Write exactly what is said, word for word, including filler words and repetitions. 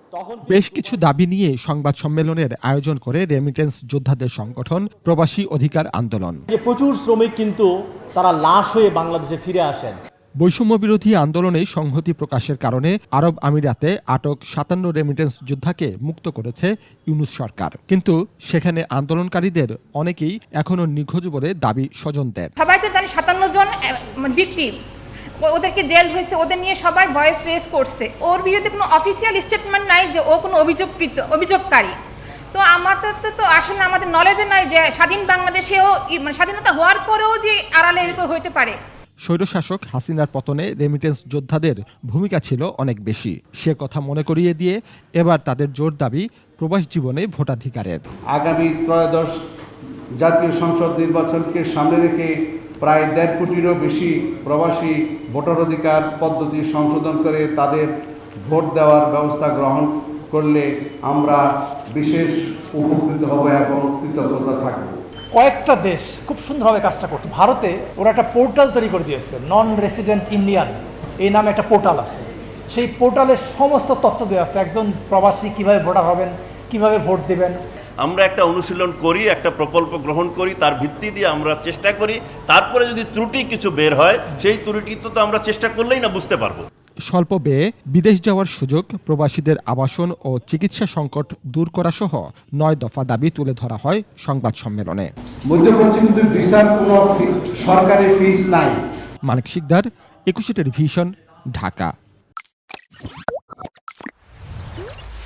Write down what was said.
বেশ কিছু দাবি নিয়ে সংবাদ সম্মেলনের আয়োজন করে রেমিটেন্স যোদ্ধাদের সংগঠন প্রবাসী অধিকার আন্দোলন। যে প্রচুর শ্রমিক কিন্তু তারা লাশ হয়ে বাংলাদেশে ফিরে আসেন। বৈষম্য বিরোধী আন্দোলনে সংহতি প্রকাশের কারণে আরব আমিরাতে আটক সাতান্ন রেমিটেন্স যোদ্ধাকে মুক্ত করেছে ইউনূস সরকার, কিন্তু সেখানে আন্দোলনকারীদের অনেকেই এখনো নিখোঁজ বলে দাবি স্বজনদের। সবাই তো জানি সাতান্ন জন ভিকটিম, ওদেরকে জেল হয়েছে, ওদের নিয়ে সবাই ভয়েস রেজ করছে। ওর বিরুদ্ধে কোনো অফিসিয়াল স্টেটমেন্ট নাই যে ও কোনো অভিযোগকৃত অভিযোগকারী। তো আমাদের তো তো আসলে আমাদের নলেজে নাই যে স্বাধীন বাংলাদেশেও মানে স্বাধীনতা হওয়ার পরেও যে আড়ালে এরকম হইতে পারে। স্বৈরশাসক হাসিনার পতনে রেমিটেন্স যোদ্ধাদের ভূমিকা ছিল অনেক বেশি। সে কথা মনে করিয়ে দিয়ে এবার তাদের জোর দাবি প্রবাস জীবনে ভোটাধিকারের। আগামী ত্রয়োদশ জাতীয় সংসদ নির্বাচনকে সামনে রেখে প্রায় দেড় কোটিরও বেশি প্রবাসী ভোটার অধিকার পদ্ধতি সংশোধন করে তাদের ভোট দেওয়ার ব্যবস্থা গ্রহণ করলে আমরা বিশেষ উপকৃত হব এবং কৃতজ্ঞতা থাকব। কয়েকটা দেশ খুব সুন্দরভাবে কাজটা করছে। ভারতে ওরা একটা পোর্টাল তৈরি করে দিয়েছে, নন রেসিডেন্ট ইন্ডিয়ান এই নামে একটা পোর্টাল আছে। সেই পোর্টালের সমস্ত তথ্য দেওয়া আছে, একজন প্রবাসী কিভাবে ভোটার হবেন, কিভাবে ভোট দেবেন। আমরা একটা অনুশীলন করি, একটা প্রকল্প গ্রহণ করি, তার ভিত্তি দিয়ে আমরা চেষ্টা করি, তারপরে যদি ত্রুটি কিছু বের হয় সেই ত্রুটি তো আমরা চেষ্টা করলেই না বুঝতে পারবো। স্বল্প ব্যয়ে বিদেশ যাওয়ার সুযোগ, প্রবাসীদের আবাসন ও চিকিৎসা সংকট দূর করা সহ নয় দফা দাবি তুলে ধরা হয় সংবাদ সম্মেলনে। মধ্যপ্রাচ্যে কিন্তু ভিসার কোনো সরকারি ফিস নাই। মানিক শিকদার, একুশে টেলিভিশন, ঢাকা।